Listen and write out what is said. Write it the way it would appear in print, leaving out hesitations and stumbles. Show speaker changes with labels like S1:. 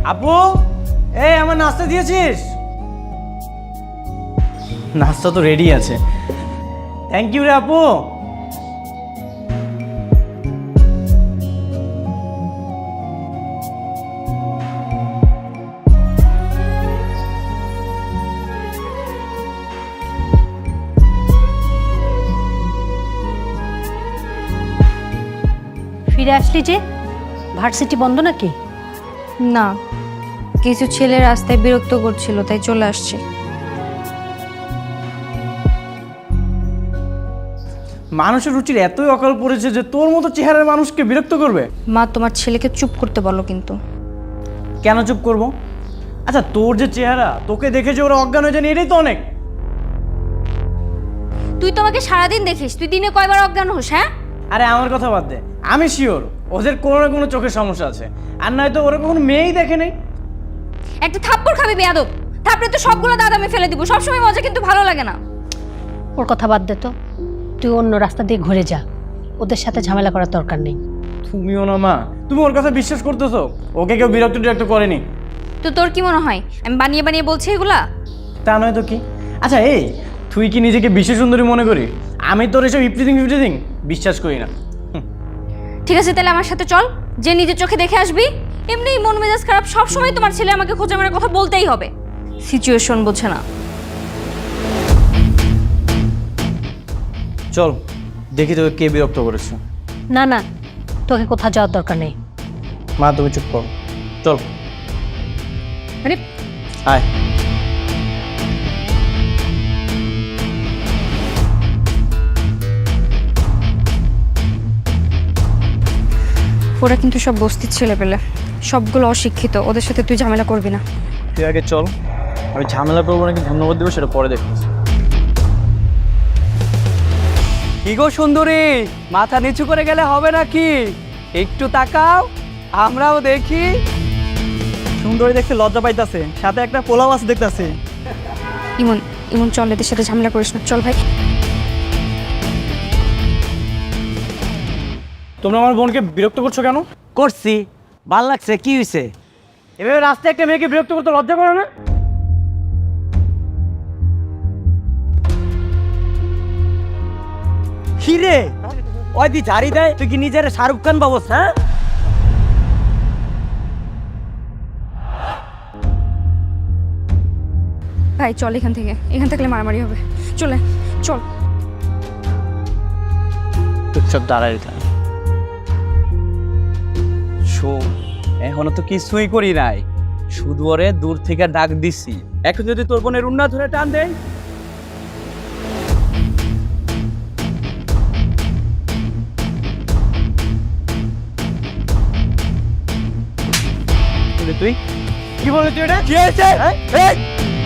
S1: আপু, এই আমার নাস্তা দিয়েছিস? নাস্তা তো রেডি আছে। থ্যাংক ইউ রে আপু।
S2: ফিরে আসলি যে? ভার্সিটি বন্ধ নাকি?
S3: না, কিছু ছেলে রাস্তায় বিরক্ত করছিল তাই চলে আসছে।
S1: মানুষের রুচির এতই অকাল পড়েছে যে তোর মতো চেহারার মানুষকে বিরক্ত করবে।
S3: মা, তোমার ছেলেকে চুপ করতে বলো কিন্তু।
S1: কেন চুপ করব? আচ্ছা, তোর যে চেহারা, তোকে দেখে যে ওরা অজ্ঞান হয়ে যায়নি, এটাই তো অনেক।
S3: তুই তো আমাকে সারাদিন দেখিস, তুই দিনে কয়বার অজ্ঞান হোস? হ্যাঁ,
S1: আরে আমার কথা বাদ দে, আমি শিওর ওদের কোনো না কোনো চোখের সমস্যা আছে, আর নয়তো ওরা কখনো মেয়েই দেখে নেই।
S3: একটা থাপ্পড় খাবি বেয়াদব। থাপড়ে তো সবগুলো দাঁত আমি ফেলে দিব। সবসময় মজা কিন্তু ভালো লাগে না।
S2: ওর কথা বাদ দে তো, তুই অন্য রাস্তা দিয়ে ঘুরে যা, ওদের সাথে ঝামেলা করার দরকার নেই।
S1: তুমিও না মা, তুমি ওর কথা বিশ্বাস করতেছো? ওকে কেউ বিরক্ত করেনি।
S3: তো তোর কি মনে হয় আমি বানিয়ে বানিয়ে বলছি এগুলা?
S1: তা নয় তো কি। আচ্ছা এই, তুই কি নিজেকে বিশ্ব সুন্দরী মনে করি? আমি তোর এসব ইপ্রিদিং বিশ্বাস করি না।
S3: ঠিক আছে, তাহলে আমার সাথে চল, যে নিজের চোখে দেখে আসবি। এমনি মন মেজাজ খারাপ, সবসময় তোমার ছেলে আমাকে খোঁজা মারার কথা বলতেই হবে। সিচুয়েশন বোঝে না।
S1: চল দেখি তোকে কে বিরক্ত করেছে।
S2: না না, তোকে কোথাও যাওয়ার দরকার নেই।
S1: মা তুমি চুপ কর, চল।
S2: আরে
S1: আয়।
S3: ওরা কিন্তু সব বস্তির ছেলে পেলে, সবগুলো অশিক্ষিত। ওদের সাথে তুই ঝামেলা করবি না।
S1: তুই আগে চল, আমি ঝামেলা করবো নাকি ধন্যবাদ দেবো সেটা পরে দেখতেছি।
S4: কি গো সুন্দরী, মাথা নিচু করে গেলে হবে নাকি? একটু তাকাও, আমরাও দেখি।
S1: সুন্দরী দেখতে লজ্জা পাইতাছে, সাথে একটা পোলাও আছে দেখতাছে।
S3: ইমন, ইমন চল, এদের সাথে ঝামেলা করিস না, চল ভাই।
S1: তোমরা আমার বোনকে বিরক্ত করছো কেন?
S4: করছি, ভাল লাগছে, কি হয়েছে?
S1: এভাবে রাস্তায় একটা মেয়েকে বিরক্ত করতে লজ্জা করে না?
S4: কি রে, ওই দি ঝাড়ি দেয়, তুই কি নিজের শাহরুখ খান বাবস? হ্যাঁ,
S3: ভাই চল এখান থেকে, এখান থাকলে মারামারি হবে। চলে চল।
S1: চুপচাপ দাঁড়াই থাক।
S4: শোন, এখনো তো কিছুই করি নাই, শুধু ওরে দূর থেকে ডাক দিছি। এখন যদি তোর বোনের উন্না ধরে টান দেয়,
S1: তুই কি বললি? তুই এটা
S4: কি হয়েছে?